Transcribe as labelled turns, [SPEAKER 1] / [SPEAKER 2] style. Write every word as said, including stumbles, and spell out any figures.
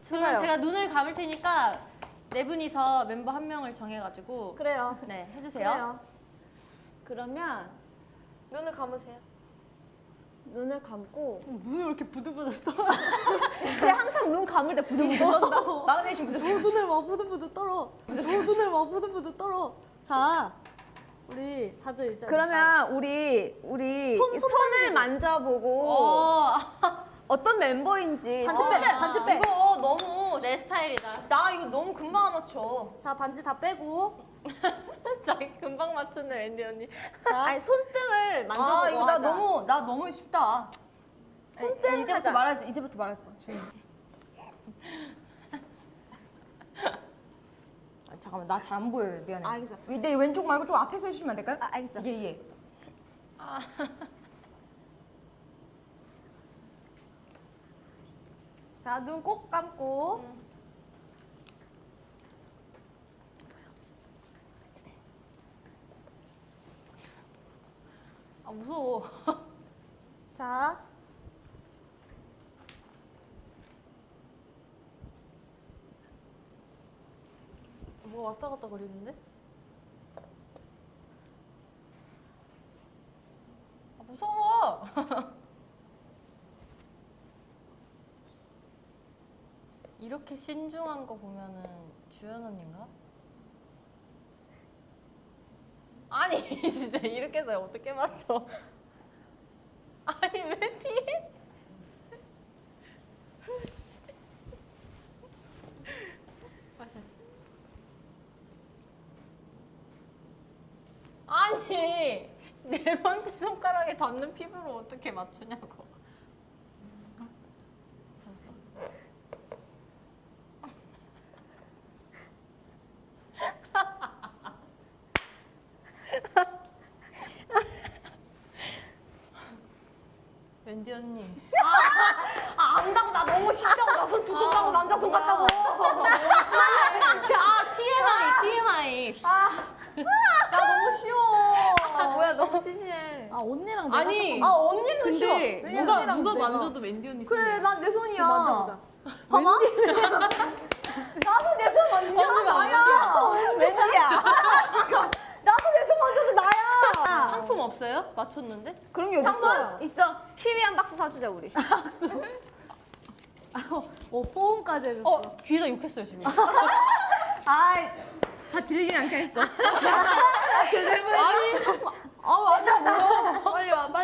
[SPEAKER 1] 그러면
[SPEAKER 2] 해봐요.
[SPEAKER 1] 제가 눈을 감을 테니까 네 분이서 멤버 한 명을 정해가지고
[SPEAKER 3] 그래요.
[SPEAKER 1] 네 해주세요.
[SPEAKER 3] 그래요. 그러면
[SPEAKER 2] 눈을 감으세요.
[SPEAKER 3] 눈을 감고
[SPEAKER 1] 눈이 왜 이렇게 부들부들 떠?
[SPEAKER 3] 쟤 항상 눈 감을 때 부들부들 떤다.
[SPEAKER 2] 마그네슘 부족.
[SPEAKER 4] 저 눈을 막 부들부들 떨어. 저 눈을 막 부들부들 떨어. 자, 우리 다들 일단
[SPEAKER 3] 그러면 우리 우리
[SPEAKER 4] 손, 손
[SPEAKER 3] 손을 만져보고
[SPEAKER 1] 어,
[SPEAKER 3] 어떤 멤버인지
[SPEAKER 4] 반지 빼, 반지 빼.
[SPEAKER 2] 이거 너무
[SPEAKER 1] 내 스타일이다.
[SPEAKER 2] 나 이거 너무 금방 맞춰.
[SPEAKER 4] 자, 반지 다 빼고.
[SPEAKER 1] 자기 금방 맞췄네 웬디 언니.
[SPEAKER 4] 자,
[SPEAKER 3] 아니 손등을 만져보고
[SPEAKER 2] 아 이거 나
[SPEAKER 3] 하자.
[SPEAKER 2] 너무 나 너무 쉽다.
[SPEAKER 3] 손등
[SPEAKER 2] 에, 이제부터
[SPEAKER 3] 하자.
[SPEAKER 2] 말하지. 이제부터 말하지 마. 조용히. 아, 잠깐만 나 잘 안 보여요. 미안해.
[SPEAKER 3] 알겠어.
[SPEAKER 2] 내 왼쪽 말고 좀 앞에서 해주시면 안 될까요?
[SPEAKER 3] 아, 알겠어.
[SPEAKER 2] 예 예.
[SPEAKER 4] 자, 눈 꼭 감고.
[SPEAKER 1] 아 무서워.
[SPEAKER 4] 자,
[SPEAKER 1] 뭐가 왔다 갔다 거리는데? 아 무서워. 이렇게 신중한 거 보면은 주연 언니인가? 아니 진짜 이렇게 해서 어떻게 맞춰? 아니 왜 피해? 아니 네 번째 손가락에 닿는 피부를 어떻게 맞추냐고. wendy 언니.
[SPEAKER 2] 아 안다고 나 너무 쉽다고 나 손 두껍다고 남자 손 같다고.
[SPEAKER 1] 아 티엠아이 티엠아이.
[SPEAKER 2] 나 너무 쉬워. 아, 뭐야 너무 시시해.
[SPEAKER 4] 아, 언니랑 내가
[SPEAKER 1] 아니,
[SPEAKER 4] 조금
[SPEAKER 2] 아 언니는 쉬워.
[SPEAKER 1] 근데
[SPEAKER 2] 왜냐면
[SPEAKER 1] 누가
[SPEAKER 4] 언니랑
[SPEAKER 1] 누가
[SPEAKER 4] 내가.
[SPEAKER 1] 만져도 웬디 언니
[SPEAKER 2] 그래
[SPEAKER 1] 손이야.
[SPEAKER 2] 난 내 손이야.
[SPEAKER 4] 만져보자.
[SPEAKER 2] 봐봐. 나도 내 손 만지잖아 나야.
[SPEAKER 3] 웬디야.
[SPEAKER 2] 나도 내 손 만져도 나야.
[SPEAKER 1] 상품 없어요? 맞췄는데?
[SPEAKER 3] 그런 게 어딨어?
[SPEAKER 2] 상관 있어.
[SPEAKER 3] 키위 한 박스 사주자 우리.
[SPEAKER 4] 어, 뽀음까지 해줬어.
[SPEAKER 1] 어 귀에다 욕했어요 지금.
[SPEAKER 2] 아이
[SPEAKER 3] 다 들리진 않게 했어.
[SPEAKER 2] 제대로 해보자.
[SPEAKER 1] 아니
[SPEAKER 2] 아 맞아 뭐야. 빨리 와 빨리.